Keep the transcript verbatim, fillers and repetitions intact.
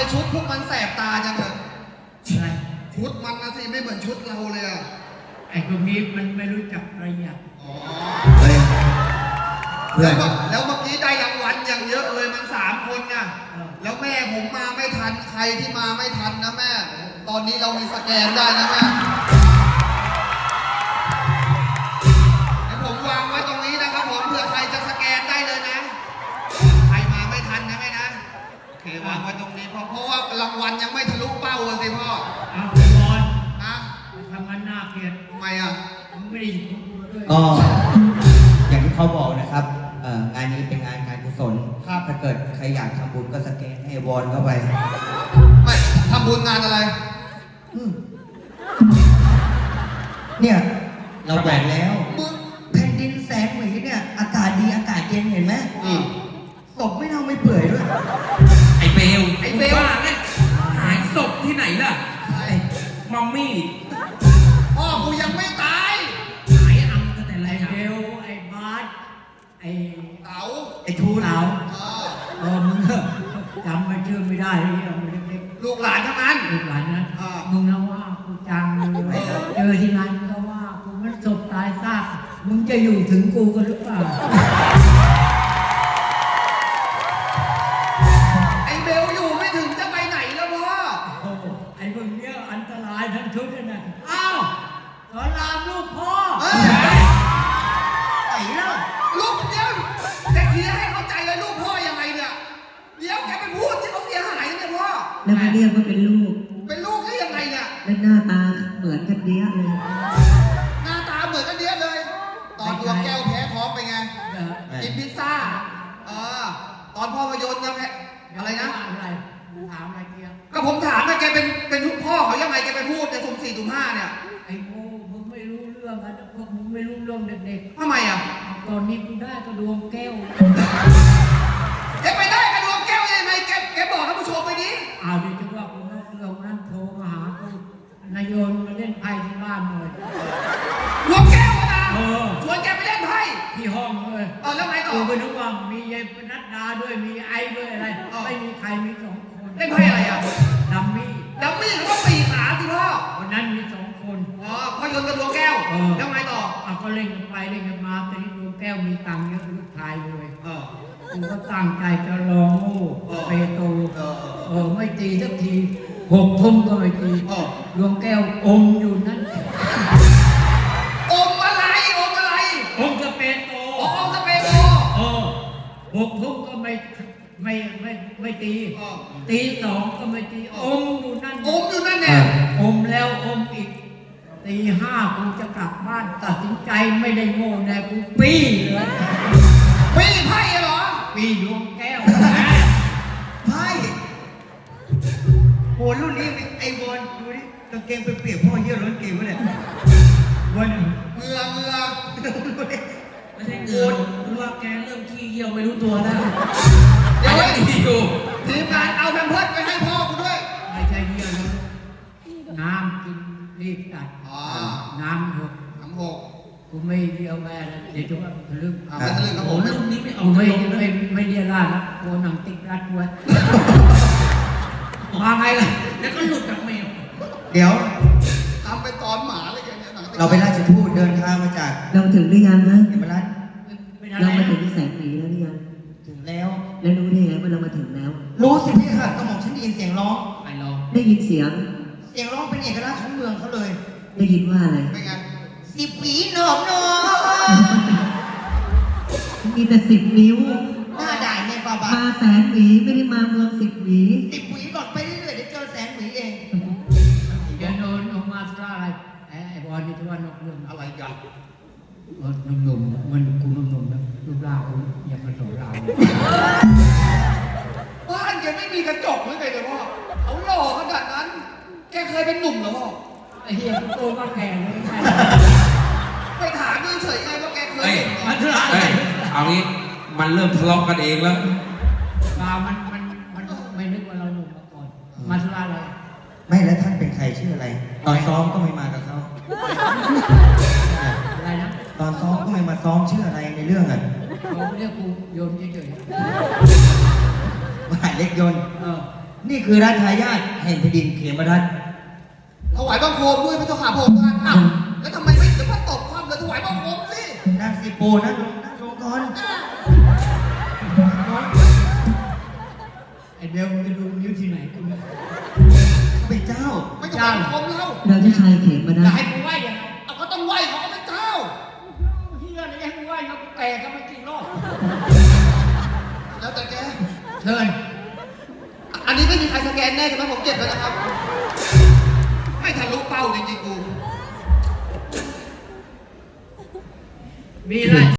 ชุดพวกมันแสบตาจังเลยใช่ชุดมันนะสิไม่เหมือนชุดเราเลยอะไอ้พวกนี้มันไม่รู้จักประหยัดอ๋อเฮ้ยเพื่อนแล้วเมื่อกี้ได้รางวัลอย่างเยอะเลยมันสามคนไงแล้วแม่ผมมาไม่ทันใครที่มาไม่ทันนะแม่ ตอนนี้เรามีสแกนได้นะแม่เดี๋ยวผมวางไว้ตรงนี้นะครับผมเผื่อใครจะสแกนได้เลยนะใครมาไม่ทันนะแม่นะโอเควางไว้ตรงนี้เพราะเพราะว่ารางวัลยังไม่ทะลุเป้าสิพ่อเอาไปบอลนะทำมันน่าเกลียดทำไมอ่ะมึงไม่ได้ยินกูด้วยก็อย่างที่เขาบอกนะครับเอ่องานนี้เป็นงานการกุศลถ้าเกิดใครอยากทำบุญก็สแกนให้วอนเข้าไปไม่ทำบุญงานอะไรอืมเนี่ยเราบอกแล้วมึงแผ่นดินแสนหวีเนี่ยอากาศดีอากาศเย็นเห็นไหมอืมศพไม่เน่าไม่เปื่อยด้วยไอ้เบลไอ้เบลว่าไงหายศพที่ไหนล่ะไอ้มัมมี่พ่อกูยังไม่ตายหายอังตั้งแต่ไรไอ้ครับเบลไอ้บาสไอ้เต๋าไอ้ทูนสาวเออเออมึงอะจำมันชื่อไม่ได้เลยเอามาเล็กลูกหลานทั้งนั้นๆลูกหลานนั้นอ่ามึมึงนะว่ากูจังเลยเจอที่ร้านก็ว่ากูมันศพตายซากมึงจะอยู่ถึงกูกันหรือเปล่าไอ้เบลอยู่ไม่ถึงจะไปไหนแล้วพ่อโอ้ไอ้พวกเนี้ยอันตรายทั้งชุดเลยนะอ้าวสอนรามลูกพ่อเอ้ยไหนเล่าลูกเดียวแต่เคลียร์ให้เข้าใจเลยลูกพ่อยังไงเนี่ยเดี๋ยวแกไปพูดที่เขาเสียหายเนี่ยพ่อแล้วมาเรียกว่าเป็นลูกเป็นลูกได้ยังไงเนี่ยและหน้าตาเหมือนกันเดี้ยเลยหน้าตาเหมือนกันเดียเลย ตอนดวงแก้วแพ้ท้องไปไงเออกินพิซซ่าเออตอนพ่อพยนตร์นะแพ้อะไรนะอะไรถามอะไรเกียร์ก็ผมถามว่าแกเป็นเป็นลูกพ่อเขายังไงแกไปพูดในสุ่มสี่สุ่มห้าเนี่ยไอ้โง่มึงไม่รู้เรื่องอะพวกมึงไม่รู้เรื่องเด็กทำไมอ่ะๆตอนนี้กูได้กระดวงแก้วแกไปได้กระดวงแก้วยังไงแกแกบอกท่านผู้ชมไปดิเอาเดี๋ยวจะว่ากูนอกเรื่องนั้นโทรมาหากูนายโยนมาเล่นไพ่ที่บ้านหน่อยดวงแก้วอะนะเออชวนแกไปเล่นไพ่ที่ห้องเลยเออแล้วไงต่อกูก็นึกว่ามียายปนัดดาด้วยมีไอ้ด้วยอะไรอ๋อไม่มีใครมีสองคนเล่นไพ่อะไรอ่ะดัมมี่ดัมมี่เขาต้องสี่ขาสิพ่อวันนั้นมีสองคนอ๋อพ่อยนต์กับดวงแก้วเออแล้วไงต่อเอาก็เล่นกันไปเล่นกันมาแต่นี่ดวงแก้วมีตังค์เยอะเป็นลูกชายเลยเออกูก็ตั้งใจจะลองโอ้เออเปโตเออเออไม่ตีสักทีหกทุ่มก็ไม่ตีเออดวงแก้วอมอยู่นั่นอมอะไรอมอะไรอมสเปโตอ๋ออมสเปโกเออหกทุ่มก็ไม่ไม่ไม่ไม่ตีเออตีสองก็ไม่ตีอมอยู่นั่นอมอยู่นั่นแน่อมแล้วอมอีกตีห้ากูจะกลับบ้านตัดสินใจไม่ได้โง่แน่กูปี้เลยปีไพ่เหรอปี้ดวงแก้วไพ่โหรุ่นนี้ไอ้วอนดูดิกางเกงไปเปียกพ่อเยี่ยวร้อนเกงวะเนี่ยวันเหงือเหงือไม่ใช่เงินรู้ว่าแกเริ่มขี้เยี่ยวไม่รู้ตัวแล้วเดี๋ยวยังดีอยู่ทีมงานเอาแพมเพิร์สไปให้พ่อกูด้วยไม่ใช่เยี่ยแล้วน้ำกินรีบตัดอ๋อน้ำหกทั้งหกกูไม่เดียวแม่แล้วเดี๋ยวจะว่าทะลึ่งอ่าไม่ทะลึ่งครับผโอ้มเรื่องนี้ไม่เอากูไม่ลงเลไม่ยไม่เรียราดแล้วกลัวหนังติดรัดไว้มาไงล่ะแล้วก็หลุดจากแมวเดี๋ยวทำไปตอนหมาเลยแกเนี่ยหนังเราเป็นราชทูตเดินทางมาจากเราถึงหรือยังฮะเยมราชเป็นอะไรเรามานะถึงแสงหวีแล้วหรือยังถึงแล้วแล้วรู้ได้ไงว่าเรามาถึงแล้วรู้สิพี่ค่ะกระหม่อมฉันได้ยินเสียงร้องไปลองได้ยินเสียงเสียงร้องเป็นเอกลักษณ์ของเมืองเขาเลยได้ยินว่าอะไรเป็นไงสิบหวีหนอบหนอมีแต่สิบนิ้วหน้าด่านในฟาบามาแสนหวีไม่ได้มาเมืองสิบหวีสิบหวีหลอดไปเรื่อยๆเดี๋ยวเจอแสนหวีเองเดี๋ยวโดนออกมาสลาอะไรไอ้ไอ้บอลนี่ที่ว่านอกเรื่องอะไรกันเออหนุ่มๆมันกูหนุ่มๆนะรูปร่างกูยังมาสอนเราเลยบ้านแกไม่มีกระจกหรือไงเนี่ยพ่อเขาหล่อขนาดนั้น แกเคยเป็นหนุ่มเหรอพ่อไอ้เหี้ยกูโตมาแก่เลยไงไปถามดูเฉยๆไงว่าแกเคยเฮ้ยเป็นมันเท่าไหร่เฮ้ยเอางี้มันเริ่มทะเลาะกันเองแล้วตามันมันมันไม่นึกว่าเราหนุ่มมาก่อนมาสลาอะไรไม่แล้วท่านเป็นใครชื่ออะไร ตอนซ้อมก็ไม่มากับเขาอะไรนะตอนซ้อมก็ไม่มาซ้อมชื่ออะไรในเรื่องอ่ะเขาเรียกกูโยนเฉยมหาเล็กยนต์ๆเออนี่คือราชทายาทแห่งแผ่นดินเขมรัฐถวายบังคมด้วยพระเจ้าขาพระองค์ท่านอ้าวแล้วทำไมไม่ถึงมาตบความเลยถวายบังคมสินั่งสิโปนั่งลงนั่งลงก่อนไอ้เบลมึงจะดูนิ้วที่ไหนกูเนี่ยเขาเป็นเจ้าไม่ถวายบังคมแล้วเราจะชายเขมมาจะได้ให้กูไหวยังไงเอาก็ต้องไหวเขาก็เป็นเจ้าเฮียนี่ให้กูไหวนะกูแก่กันมากี่รอบแล้วแต่แกเชิญอันนี้ไม่มีใครสแกนแน่ใช่ไหมผมเก็บแล้วนะครับ ไม่ทะลุเป้าจริงๆกูมีอะไร